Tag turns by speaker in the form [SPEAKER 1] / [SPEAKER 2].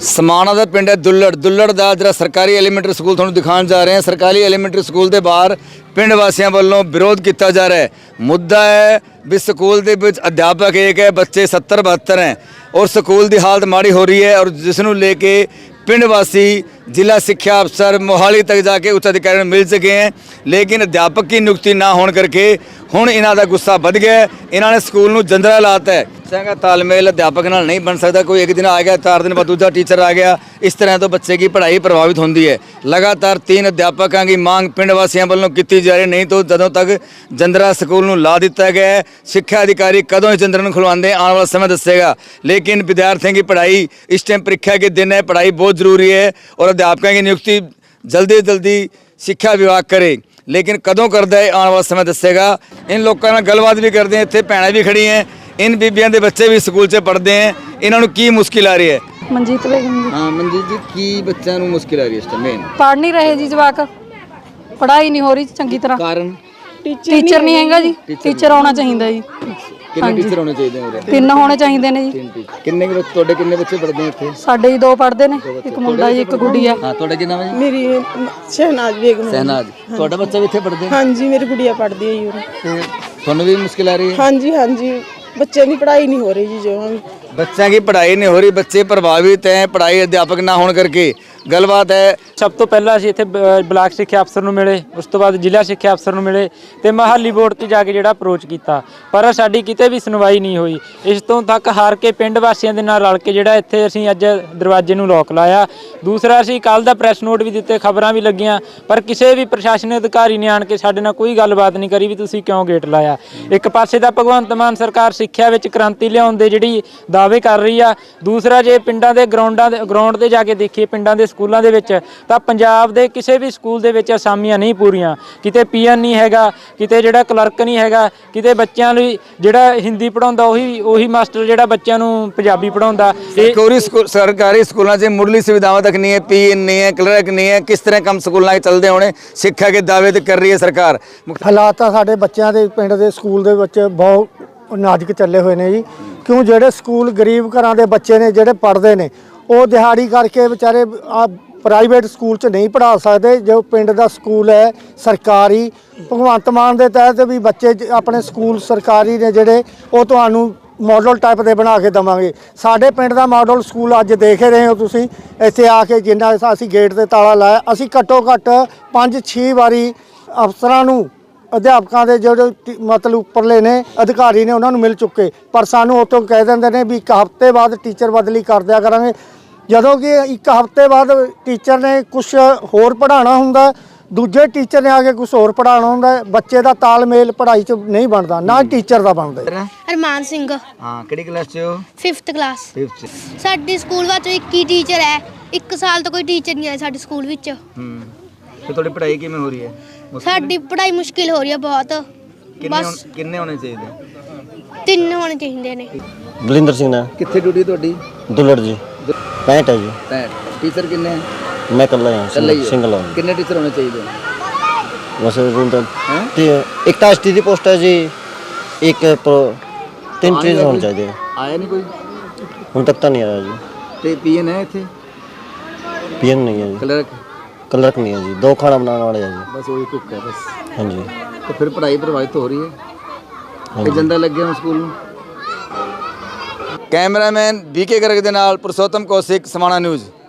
[SPEAKER 1] समाणा का पिंड है दुल्लड़ का जरा सरकारी एलीमेंटरी स्कूल तुहानूं दिखाने जा रहे हैं। सरकारी एलीमेंटरी स्कूल के बाहर पिंड वासियों वालों विरोध किया जा रहा है। मुद्दा है भी स्कूल के विच अध्यापक एक है, बच्चे 70-72 हैं और स्कूल की हालत माड़ी हो रही है। और जिसनों लेके पिंड वासी जिला शिक्षा अफसर मोहाली तक जाके उच्च अधिकारियों मिल चुके हैं, लेकिन अध्यापक की नियुक्ति ना होने करके हुण इन्हां दा गुस्सा बढ़ गया। इन्होंने स्कूल नूं जंदरा लाता है। संगा तालमेल अध्यापक नाल नहीं बन सकता। कोई एक दिन आ गया, 4 दिन बाद दूसरा टीचर आ गया, इस तरह तो बच्चे की पढ़ाई प्रभावित होती है। लगातार 3 अध्यापकों की मांग पिंड वासियों वालों की जा रही, नहीं तो जदों तक जंदरा स्कूल नूं ला दिता गया है। शिक्षा अधिकारी कदों इस जंदरे नूं खुलवाते आने वाला समय दसेगा, लेकिन विद्यार्थियों की पढ़ाई इस टाइम परीक्षा के दिन है, पढ़ाई बहुत जरूरी है और अध्यापकों की नियुक्ति जल्दी जल्दी शिक्षा विभाग करे, लेकिन कदों करता है आने वाला समय दसेगा। इन लोगों नाल गलबात भी करते हैं, इत्थे भैणां भी खड़ी हैं, इन बीबियां दे बच्चे भी स्कूल च पढ़ते हैं, इन्होंने की मुश्किल आ रही है?
[SPEAKER 2] मनजीत बेगम जी।
[SPEAKER 1] हाँ मनजीत जी, की बच्चों को मुश्किल आ रही है इस टाइम? मेन
[SPEAKER 2] पढ़ नहीं रहे जी, जवाक पढ़ाई नहीं हो रही चंगी तरह।
[SPEAKER 1] कारण
[SPEAKER 2] टीचर नहीं हैगा जी, टीचर होना चाहिए जी।
[SPEAKER 1] कितने टीचर होने चाहिए हैं?
[SPEAKER 2] 3 होने चाहिए ने जी।
[SPEAKER 1] किन्ने किन्ने बच्चे पढ़ते हैं इत्थे?
[SPEAKER 2] साडे 2 पढ़ते ने, एक मुंडा जी, एक गुड़िया।
[SPEAKER 1] हाँ, ਤੁਹਾਡਾ ਕੀ ਨਾਮ ਹੈ ਜੀ?
[SPEAKER 3] मेरी शहनाज बेगम।
[SPEAKER 1] सहनाज, ਤੁਹਾਡਾ ਬੱਚਾ ਵੀ ਇੱਥੇ ਪੜ੍ਹਦੇ?
[SPEAKER 3] हाँ जी, मेरी गुड़िया पढ़ती है यूर।
[SPEAKER 1] ਤੇ ਤੁਹਾਨੂੰ ਵੀ ਮੁਸ਼ਕਿਲ ਆ ਰਹੀ ਹੈ?
[SPEAKER 3] हाँ जी, बच्चे की पढ़ाई नहीं हो रही जी। जो हम
[SPEAKER 1] बच्चों की पढ़ाई नहीं हो रही, बच्चे प्रभावित हैं पढ़ाई अध्यापक ना होने करके। गलबात है
[SPEAKER 4] ਸਭ ਤੋਂ ਪਹਿਲਾਂ ਅਸੀਂ ਇੱਥੇ ਬਲਾਕ ਸਿੱਖਿਆ ਅਫਸਰ ਨੂੰ ਮਿਲੇ, ਉਸ ਤੋਂ ਬਾਅਦ ਜ਼ਿਲ੍ਹਾ ਸਿੱਖਿਆ ਅਫਸਰ ਨੂੰ ਮਿਲੇ ਤੇ ਮਹਾਲੀ ਬੋਰਡ ਤੇ ਜਾ ਕੇ ਜਿਹੜਾ ਅਪਰੋਚ ਕੀਤਾ, ਪਰ ਸਾਡੀ ਕਿਤੇ ਵੀ ਸੁਣਵਾਈ ਨਹੀਂ ਹੋਈ। ਇਸ ਤੋਂ ਤੱਕ ਹਾਰ ਕੇ ਪਿੰਡ ਵਾਸੀਆਂ ਦੇ ਨਾਲ ਰਲ ਕੇ ਜਿਹੜਾ ਇੱਥੇ ਅਸੀਂ ਅੱਜ ਦਰਵਾਜ਼ੇ ਨੂੰ ਲੋਕ ਲਾਇਆ। ਦੂਸਰਾ ਅਸੀਂ ਕੱਲ ਦਾ ਪ੍ਰੈਸ ਨੋਟ ਵੀ ਦਿੱਤੇ, ਖਬਰਾਂ ਵੀ ਲੱਗੀਆਂ, ਪਰ ਕਿਸੇ ਵੀ ਪ੍ਰਸ਼ਾਸਨ ਅਧਿਕਾਰੀ ਨੇ ਆਣ ਕੇ ਸਾਡੇ ਨਾਲ ਕੋਈ ਗੱਲਬਾਤ ਨਹੀਂ ਕਰੀ ਵੀ ਤੁਸੀਂ ਕਿਉਂ ਗੇਟ ਲਾਇਆ। ਇੱਕ ਪਾਸੇ ਤਾਂ ਭਗਵੰਤ ਮਾਨ ਸਰਕਾਰ ਸਿੱਖਿਆ ਵਿੱਚ ਕ੍ਰਾਂਤੀ ਲਿਆਉਣ ਦੇ ਜਿਹੜੀ ਦਾਅਵੇ ਕਰ ਰਹੀ ਆ, ਦੂਸਰਾ ਜੇ ਪਿੰਡਾਂ ਦੇ ਗਰਾਊਂਡ ਤੇ ਜਾ ਕੇ ਦੇਖੀਏ ਪਿੰਡਾਂ ਦੇ ਸਕੂਲਾਂ ਦੇ ਵਿੱਚ ਤਾਂ ਪੰਜਾਬ ਦੇ ਕਿਸੇ ਵੀ ਸਕੂਲ ਦੇ ਵਿੱਚ ਅਸਾਮੀਆਂ ਨਹੀਂ ਪੂਰੀਆਂ, ਕਿਤੇ ਪੀਐਨ ਨਹੀਂ ਹੈਗਾ, ਕਿਤੇ ਜਿਹੜਾ ਕਲਰਕ ਨਹੀਂ ਹੈਗਾ, ਕਿਤੇ ਬੱਚਿਆਂ ਲਈ ਜਿਹੜਾ ਹਿੰਦੀ ਪੜਾਉਂਦਾ ਉਹੀ ਮਾਸਟਰ ਜਿਹੜਾ ਬੱਚਿਆਂ ਨੂੰ ਪੰਜਾਬੀ ਪੜਾਉਂਦਾ।
[SPEAKER 1] सरकारी स्कूलों से मुढ़ली सुविधावां तक नहीं है, पीएन नहीं है, क्लर्क नहीं है, किस तरह कम स्कूलों के चलते होने? शिक्षा के दावे तो कर रही है सरकार।
[SPEAKER 5] ਹਾਲਾਤ ਤਾਂ ਸਾਡੇ ਬੱਚਿਆਂ ਦੇ ਪਿੰਡ ਦੇ ਸਕੂਲ ਦੇ ਵਿੱਚ ਬਹੁਤ ਨਾਜ਼ੁਕ ਚੱਲੇ ਹੋਏ ਨੇ ਜੀ। ਕਿਉਂ ਜਿਹੜੇ ਸਕੂਲ ਗਰੀਬ ਘਰਾਂ ਦੇ ਬੱਚੇ ਨੇ ਜਿਹੜੇ ਪੜ੍ਹਦੇ ਨੇ ਉਹ ਦਿਹਾੜੀ ਕਰਕੇ ਵਿਚਾਰੇ ਪ੍ਰਾਈਵੇਟ ਸਕੂਲ 'ਚ ਨਹੀਂ ਪੜ੍ਹਾ ਸਕਦੇ। ਜੋ ਪਿੰਡ ਦਾ ਸਕੂਲ ਹੈ ਸਰਕਾਰੀ, ਭਗਵੰਤ ਮਾਨ ਦੇ ਤਹਿਤ ਵੀ ਬੱਚੇ ਆਪਣੇ ਸਕੂਲ ਸਰਕਾਰੀ ਨੇ ਜਿਹੜੇ ਉਹ ਤੁਹਾਨੂੰ ਮਾਡਲ ਟਾਈਪ ਦੇ ਬਣਾ ਕੇ ਦੇਵਾਂਗੇ। ਸਾਡੇ ਪਿੰਡ ਦਾ ਮਾਡਲ ਸਕੂਲ ਅੱਜ ਦੇਖ ਰਹੇ ਹੋ ਤੁਸੀਂ, ਇੱਥੇ ਆ ਕੇ ਜਿੰਨਾ ਅਸੀਂ ਗੇਟ 'ਤੇ ਤਾਲਾ ਲਾਇਆ, ਅਸੀਂ ਘੱਟੋ ਘੱਟ 5-6 ਵਾਰੀ ਅਫਸਰਾਂ ਨੂੰ ਅਧਿਆਪਕਾਂ ਦੇ ਜਿਹੜੇ ਮਤਲਬ ਉੱਪਰਲੇ ਨੇ ਅਧਿਕਾਰੀ ਨੇ ਉਹਨਾਂ ਨੂੰ ਮਿਲ ਚੁੱਕੇ, ਪਰ ਸਾਨੂੰ ਉੱਥੋਂ ਕਹਿ ਦਿੰਦੇ ਨੇ ਵੀ 1 ਹਫ਼ਤੇ ਬਾਅਦ ਟੀਚਰ ਬਦਲੀ ਕਰ ਦਿਆ ਕਰਾਂਗੇ। ਜਦੋਂ ਕਿ 1 ਹਫ਼ਤੇ ਬਾਅਦ ਟੀਚਰ ਨੇ ਕੁਛ ਹੋਰ ਪੜ੍ਹਾਉਣਾ ਹੁੰਦਾ, ਦੂਜੇ ਟੀਚਰ ਨੇ ਆ ਕੇ ਕੁਛ ਹੋਰ ਪੜ੍ਹਾਉਣਾ ਹੁੰਦਾ। ਬੱਚੇ ਦਾ ਤਾਲਮੇਲ ਪੜ੍ਹਾਈ 'ਚ ਨਹੀਂ ਬਣਦਾ, ਨਾ ਟੀਚਰ ਦਾ ਬਣਦਾ।
[SPEAKER 6] ਅਰਮਾਨ ਸਿੰਘ।
[SPEAKER 1] ਹਾਂ, ਕਿਹੜੀ ਕਲਾਸ 'ਚ ਹੋ?
[SPEAKER 6] 5th class.
[SPEAKER 1] 5th 'ਚ।
[SPEAKER 6] ਸਾਡੇ ਸਕੂਲ ਵਿੱਚ ਇੱਕ ਹੀ ਟੀਚਰ ਹੈ, 1 ਸਾਲ ਤੋਂ ਕੋਈ ਟੀਚਰ ਨਹੀਂ ਆਇਆ ਸਾਡੇ ਸਕੂਲ ਵਿੱਚ।
[SPEAKER 1] ਤੇ ਤੁਹਾਡੀ ਪੜ੍ਹਾਈ ਕਿਵੇਂ ਹੋ ਰਹੀ ਹੈ?
[SPEAKER 6] ਸਾਡੀ ਪੜ੍ਹਾਈ ਮੁਸ਼ਕਿਲ ਹੋ ਰਹੀ ਹੈ ਬਹੁਤ।
[SPEAKER 1] ਕਿੰਨੇ ਹੋਣੇ ਚਾਹੀਦੇ?
[SPEAKER 6] 3 ਹੋਣੇ ਚਾਹੀਦੇ ਨੇ।
[SPEAKER 7] ਬਲਿੰਦਰ ਸਿੰਘ ਨਾ।
[SPEAKER 1] ਕਿੱਥੇ ਡਿਊਟੀ ਤੁਹਾਡੀ?
[SPEAKER 7] ਦੁੱਲੜ ਜੀ। 65 है जी।
[SPEAKER 1] 65 टीचर कितने हैं?
[SPEAKER 7] मैं कल्ला ही सिंगल हूँ।
[SPEAKER 1] कितने टीचर होने चाहिए?
[SPEAKER 7] बस एक तो एसटी की पोस्ट है जी, एक 3 टीचर होने चाहिए।
[SPEAKER 1] आया नहीं कोई
[SPEAKER 7] हूँ तक तो नहीं आया जी।
[SPEAKER 1] ते पीएन है इत्थे?
[SPEAKER 7] पीएन नहीं है जी। क्लर्क नहीं है जी, 2 खाना बनाने वाले हैं जी,
[SPEAKER 1] बस वही कुक है बस।
[SPEAKER 7] हाँ जी।
[SPEAKER 1] तो फिर पढ़ाई प्रभावित हो रही है। हाँ, जंदा लग गया स्कूल में। कैमरामैन बीके गर्ग दे नाल पुरुषोत्तम कौशिक, समाणा न्यूज़।